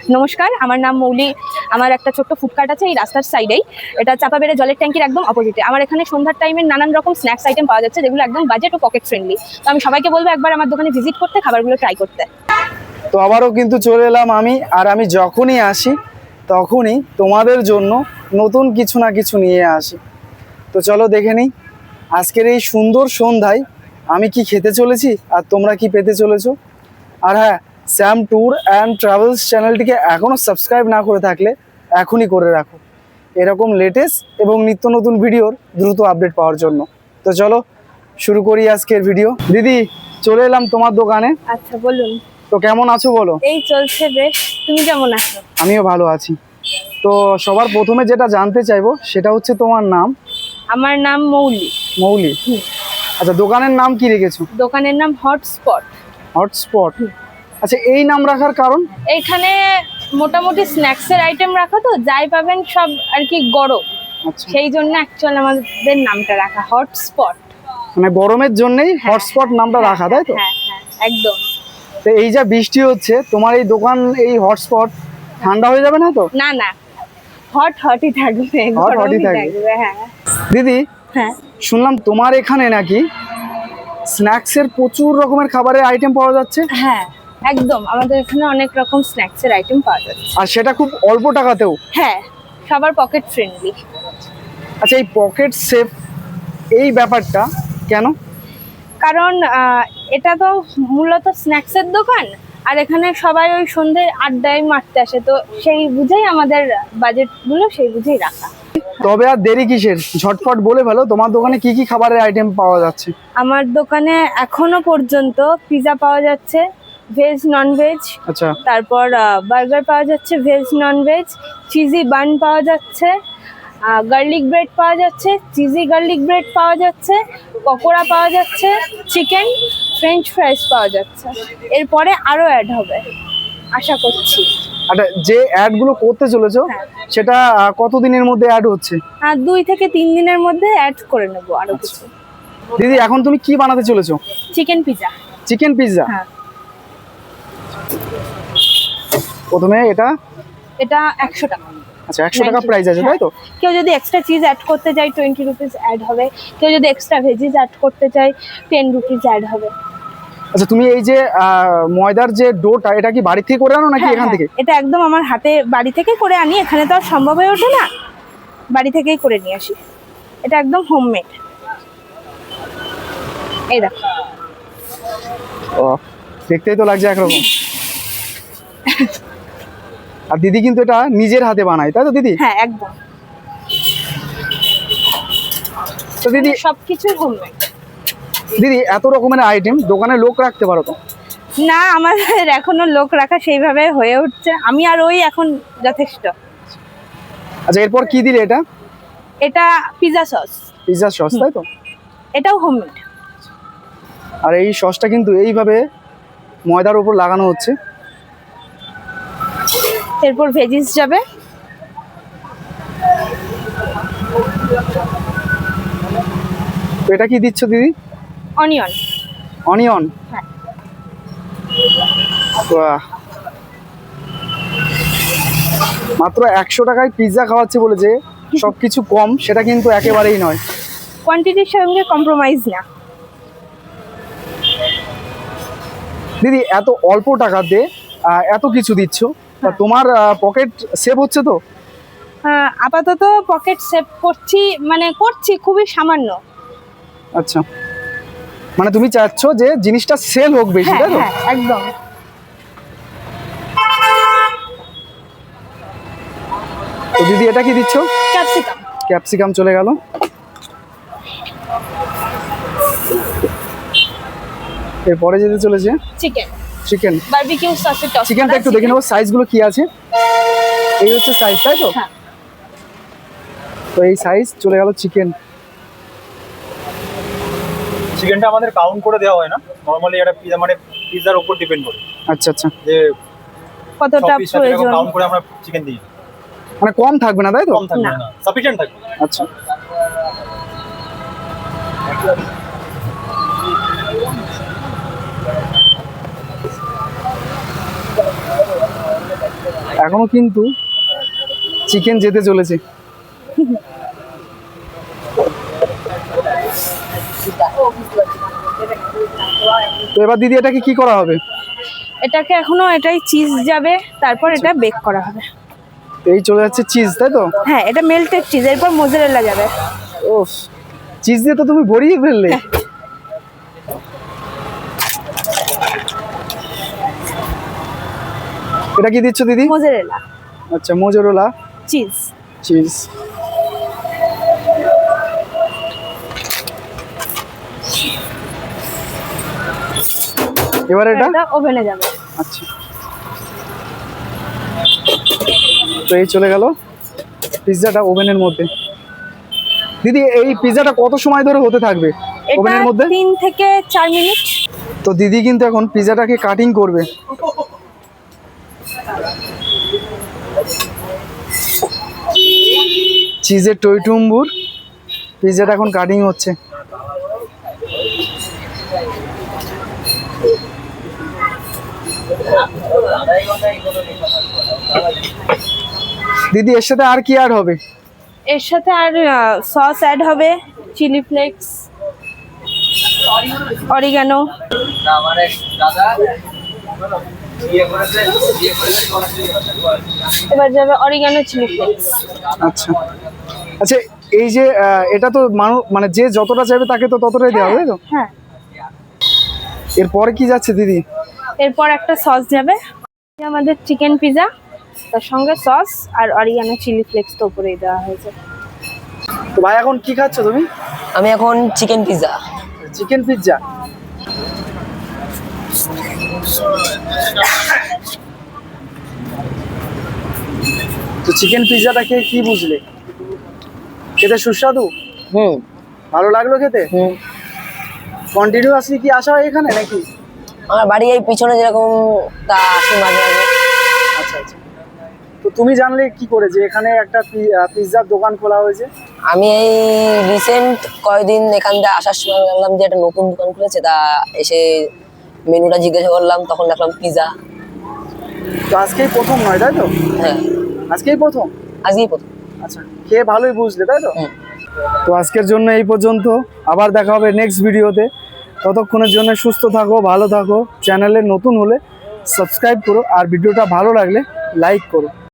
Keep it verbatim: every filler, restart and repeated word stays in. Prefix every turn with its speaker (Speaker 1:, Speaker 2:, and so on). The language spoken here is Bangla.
Speaker 1: নমস্কার, আমার নাম মৌলি। আমার একটা ছোট্ট ফুডকার্ট আছে এই রাস্তার সাইডেই। এটা চাপাবেড়ে জলের ট্যাঙ্কির একদম অপোজিটে। আমার এখানে সন্ধ্যার টাইমে নানান রকম স্ন্যাক্স আইটেম পাওয়া যাচ্ছে, যেগুলো একদম বাজেট ও পকেট ফ্রেন্ডলি। তো আমি সবাইকে বলবো একবার আমার দোকানে ভিজিট করতে, খাবারগুলো ট্রাই করতে।
Speaker 2: তো আবারও কিন্তু চলে এলাম আমি, আর আমি যখনই আসি তখনই তোমাদের জন্য নতুন কিছু না কিছু নিয়ে আসি। তো চলো দেখে নিই আজকের এই সুন্দর সন্ধ্যায় আমি কি খেতে চলেছি আর তোমরা কি পেতে চলেছো। আর হ্যাঁ, শ্যাম ট্যুর অ্যান্ড ট্রাভেলস চ্যানেলটিকে এখনও সাবস্ক্রাইব না করে থাকলে এখনই করে রাখো, এরকম লেটেস্ট এবং নিত্য নতুন ভিডিওর দ্রুত আপডেট পাওয়ার জন্য। তো চলো শুরু করি আজকের ভিডিও। দিদি, চলে এলাম তোমার দোকানে।
Speaker 1: আচ্ছা, বলুন।
Speaker 2: তো কেমন আছো বলো?
Speaker 1: এই চলছে বেশ, তুমি কেমন আছো?
Speaker 2: আমিও ভালো আছি। তো সবার প্রথমে যেটা জানতে চাইবো সেটা হচ্ছে তোমার নাম।
Speaker 1: আমার নাম মৌলি।
Speaker 2: মৌলি। আচ্ছা, দোকানের নাম কি রেখেছো?
Speaker 1: দোকানের নাম হটস্পট।
Speaker 2: হটস্পট। আচ্ছা, এই নাম রাখার কারণ?
Speaker 1: এইখানে মোটামুটি স্ন্যাক্সের আইটেম রাখা, তো যাই পাবেন সব আর কি গরম।
Speaker 2: আচ্ছা,
Speaker 1: সেই জন্য অ্যাকচুয়ালি আমাদের নামটা রাখা হটস্পট।
Speaker 2: মানে গরমের জন্যই হটস্পট নামটা রাখা, তাই তো?
Speaker 1: হ্যাঁ হ্যাঁ, একদম।
Speaker 2: তো এই যা বৃষ্টি হচ্ছে, তোমার এই দোকান এই হটস্পট ঠান্ডা হয়ে যাবে না তো?
Speaker 1: না না, হট হটই থাকবে,
Speaker 2: হট হটই
Speaker 1: গরমই
Speaker 2: থাকবে।
Speaker 1: থাকবে। হ্যাঁ
Speaker 2: দিদি,
Speaker 1: হ্যাঁ,
Speaker 2: শুনলাম তোমার এখানে নাকি স্ন্যাক্সের প্রচুর রকমের খাবারের আইটেম পাওয়া যাচ্ছে।
Speaker 1: হ্যাঁ একদম, আমাদের এখানে অনেক রকম স্ন্যাক্সের আইটেম পাওয়া যাচ্ছে।
Speaker 2: আর সেটা খুব অল্প টাকাতেও।
Speaker 1: হ্যাঁ, সবার পকেট ফ্রেন্ডলি।
Speaker 2: আচ্ছা, এই পকেট সেফ এই ব্যাপারটা কেন?
Speaker 1: কারণ আহ, এটা তো মূলত স্ন্যাক্সের দোকান, আর এখানে সবাই ওই সন্ধে আড্ডায় মারতে আসে, তো সেই বুঝেই আমাদের বাজেটগুলো সেই বুঝেই রাখা।
Speaker 2: তবে আর দেরি কিসের, ঝটপট বলে ফেলো তোমার দোকানে কি কি খাবারের আইটেম পাওয়া যাচ্ছে।
Speaker 1: আমার দোকানে এখনো পর্যন্ত পিৎজা পাওয়া যাচ্ছে, ভেজ নন ভেজ।
Speaker 2: আচ্ছা,
Speaker 1: তারপর বার্গার পাওয়া যাচ্ছে, veg non veg. Cheesy bun পাওয়া যাচ্ছে, গার্লিক ব্রেড পাওয়া যাচ্ছে, চিজি গার্লিক ব্রেড পাওয়া যাচ্ছে, পকোড়া পাওয়া যাচ্ছে, চিকেন ফ্রেঞ্চ ফ্রাইস পাওয়া যাচ্ছে। এরপরে আরও অ্যাড হবে আশা করছি।
Speaker 2: আচ্ছা, যে অ্যাড গুলো করতে চলেছো
Speaker 1: হ্যাঁ।
Speaker 2: সেটা আহ, কতদিনের মধ্যে অ্যাড হচ্ছে?
Speaker 1: আর দুই থেকে তিন দিনের মধ্যে অ্যাড করে নেবো আরো কিছু।
Speaker 2: দিদি, এখন তুমি কি বানাতে চলেছো?
Speaker 1: Chicken pizza.
Speaker 2: Chicken pizza.
Speaker 1: হ্যাঁ,
Speaker 2: প্রথমে এটা
Speaker 1: এটা একশো টাকা।
Speaker 2: আচ্ছা, একশো টাকা প্রাইস আছে, তাই তো?
Speaker 1: কেউ যদি এক্সট্রা চিজ অ্যাড করতে চায় টোয়েন্টি রুপিস অ্যাড হবে, কেউ যদি এক্সট্রা ভেজিস অ্যাড করতে চায় টেন রুপিস অ্যাড হবে।
Speaker 2: আচ্ছা, তুমি এই যে আহ, ময়দার যে ডোটা, এটা কি বাড়ি থেকে করে আনো নাকি
Speaker 1: হ্যাঁ,
Speaker 2: এখান থেকে?
Speaker 1: হ্যাঁ, এটা একদম আমার হাতে বাড়ি থেকে করে আনি, এখানে তো আর সম্ভব হয়ে ওঠে না, বাড়ি থেকেই করে নিয়ে আসি। এটা একদম হোমমেড। এই দেখো।
Speaker 2: ও, দেখতেই তো লাগছে একরকম। আর দিদি কিন্তু এটা নিজের হাতে বানায়, তাই তো দিদি?
Speaker 1: হ্যাঁ একদম।
Speaker 2: তো দিদি,
Speaker 1: সবকিছু হোমমেড।
Speaker 2: দিদি এত রকমের আইটেম, দোকানে লোক রাখতে পারো তো?
Speaker 1: না, আমাদের এখনো লোক রাখা সেইভাবে হয়ে উঠছে, আমি আর ওই এখন যথেষ্ট।
Speaker 2: আচ্ছা, এরপর কি দিলে এটা?
Speaker 1: এটা পিৎজা সস।
Speaker 2: পিৎজা সস, তাই তো?
Speaker 1: এটাও হোমমেড।
Speaker 2: আর এই সসটা কিন্তু এইভাবে ময়দার উপর লাগানো হচ্ছে।
Speaker 1: এরপর ভেজিস যাবে।
Speaker 2: তো এটা কি দিচ্ছ দিদি?
Speaker 1: অনিয়ন।
Speaker 2: অনিয়ন।
Speaker 1: হ্যাঁ।
Speaker 2: বাহ, মাত্র একশো টাকায় পিৎজা খাওয়াচ্ছে বলে যে সবকিছু কম, সেটা কিন্তু একেবারেই নয়।
Speaker 1: কোয়ান্টিটির সঙ্গে কম্প্রোমাইজ না।
Speaker 2: দিদি, এত অল্প টাকাতে আহ, এত কিছু দিচ্ছ, তা তোমার পকেট সেভ হচ্ছে তো?
Speaker 1: হ্যাঁ, আপাতত পকেট সেভ করছি, মানে করছি খুবই সামান্য।
Speaker 2: আচ্ছা, মানে তুমি চাচ্ছ যে জিনিসটা সেল হোক বেশি,
Speaker 1: হ্যাঁ
Speaker 2: তাই তো?
Speaker 1: হ্যাঁ একদম।
Speaker 2: তো দিদি, এটা কি দিচ্ছ?
Speaker 1: ক্যাপসিকাম।
Speaker 2: ক্যাপসিকাম চলে গেল। এরপরে যেতে চলেছে
Speaker 1: চিকেন।
Speaker 2: চিকেন।
Speaker 1: বারবিকিউ সসে টস।
Speaker 2: চিকেনটা একটু দেখে নেবো সাইজগুলো কি আছে। এই হচ্ছে সাইজ, তাই তো?
Speaker 1: হ্যাঁ।
Speaker 2: তো এই সাইজ চলে গেল চিকেন।
Speaker 3: চিকেনটা আমাদের কাউন্ট করে দেওয়া হয় না, নরমালি এটা পিজা মানে পিজার উপর ডিপেন্ড করে।
Speaker 2: আচ্ছা আচ্ছা,
Speaker 3: যে
Speaker 1: কতটা প্রয়োজন
Speaker 3: কাউন্ট করে আমরা চিকেন দিই,
Speaker 2: মানে কম থাকবে না, তাই তো?
Speaker 3: কম থাকবে না, সাফিশিয়েন্ট থাকবে।
Speaker 2: আচ্ছা, এখনো কিন্তু চিকেন যেতে চলেছে। তো এবার দিদি এটাকে কি করা হবে?
Speaker 1: এটাকে এখনো এটাই চিজ যাবে, তারপর এটা বেক করা হবে।
Speaker 2: এই চলে যাচ্ছে চিজ, তাই তো?
Speaker 1: হ্যাঁ, এটা মেল্টেড চিজ, এরপর মোজারেলা যাবে।
Speaker 2: ও, চিজ দিয়ে তো তুমি ভরিয়ে ফেললে। এটা কি দিচ্ছ দিদি?
Speaker 1: মোজারেলা
Speaker 2: আচ্ছা, মোজারেলা
Speaker 1: চিজ।
Speaker 2: চিজ। এবার এটা
Speaker 1: এটা ওভেনে যাবে।
Speaker 2: আচ্ছা, তো এই চলে গেল পিৎজাটা ওভেনের মধ্যে। দিদি এই পিৎজাটা কত সময় ধরে হতে থাকবে ওভেনের
Speaker 1: এটা
Speaker 2: মধ্যে?
Speaker 1: তিন থেকে চার মিনিট।
Speaker 2: তো দিদি কিন্তু এখন পিৎজাটাকে কাটিং করবে। চিজের টইটুম্বুর পিৎজাটা এখন কাটিং হচ্ছে। দিদি এর সাথে আর কি অ্যাড হবে?
Speaker 1: এর সাথে আর সস অ্যাড হবে, চিলি ফ্লেক্স, অরিগানো। এবার যাবে অরিগানো, চিলি ফ্লেক্স।
Speaker 2: আচ্ছা আচ্ছা, এই যে আহ, এটা তো মানুষ মানে যে যতটা চাইবে তাকে তো ততটাই দেওয়া হবে, তাই তো?
Speaker 1: হ্যাঁ,
Speaker 2: এরপরে কি যাচ্ছে দিদি?
Speaker 1: এরপর একটা সস যাবে, আমাদের চিকেন পিৎজা, তার সঙ্গে সস আর অরিগানো চিলি ফ্লেক্স তো উপরেই দেওয়া হয়েছে।
Speaker 2: তো ভাই এখন কি খাচ্ছ তুমি?
Speaker 4: আমি এখন চিকেন পিৎজা।
Speaker 2: Chicken pizza. তো চিকেন পিৎজাটা খেয়ে কি বুঝলে? খেতে সুস্বাদু?
Speaker 4: হুম
Speaker 2: ভালো লাগলো খেতে?
Speaker 4: হুম
Speaker 2: কন্টিনিউয়াসলি কি আসা হয় এখানে নাকি?
Speaker 4: আমার বাড়ি এই পিছনে যেরকম, তা আসি মাঝে মাঝে।
Speaker 2: আচ্ছা আচ্ছা, তো তুমি জানলে কি করে যে এখানে একটা পিৎজার দোকান খোলা হয়েছে?
Speaker 4: আমি এই রিসেন্ট কয়েকদিন এখান থেকে আসার সময় জানলাম যে একটা নতুন দোকান খুলেছে, তা এসে মেনুটা জিজ্ঞাসা করলাম, তখন দেখলাম পিৎজা।
Speaker 2: তো আজকেই প্রথম নয়, তাই তো?
Speaker 4: হ্যাঁ,
Speaker 2: আজকেই প্রথম?
Speaker 4: আজকেই প্রথম।
Speaker 2: আচ্ছা, খেয়ে ভালোই বুঝলে, তাই তো?
Speaker 4: হুম।
Speaker 2: তো আজকের জন্য এই পর্যন্ত, আবার দেখা হবে নেক্সট ভিডিওতে। ততক্ষণের জন্য সুস্থ থাকো, ভালো থাকো। চ্যানেলে নতুন হলে সাবস্ক্রাইব করো, আর ভিডিওটা ভালো লাগলে লাইক করো।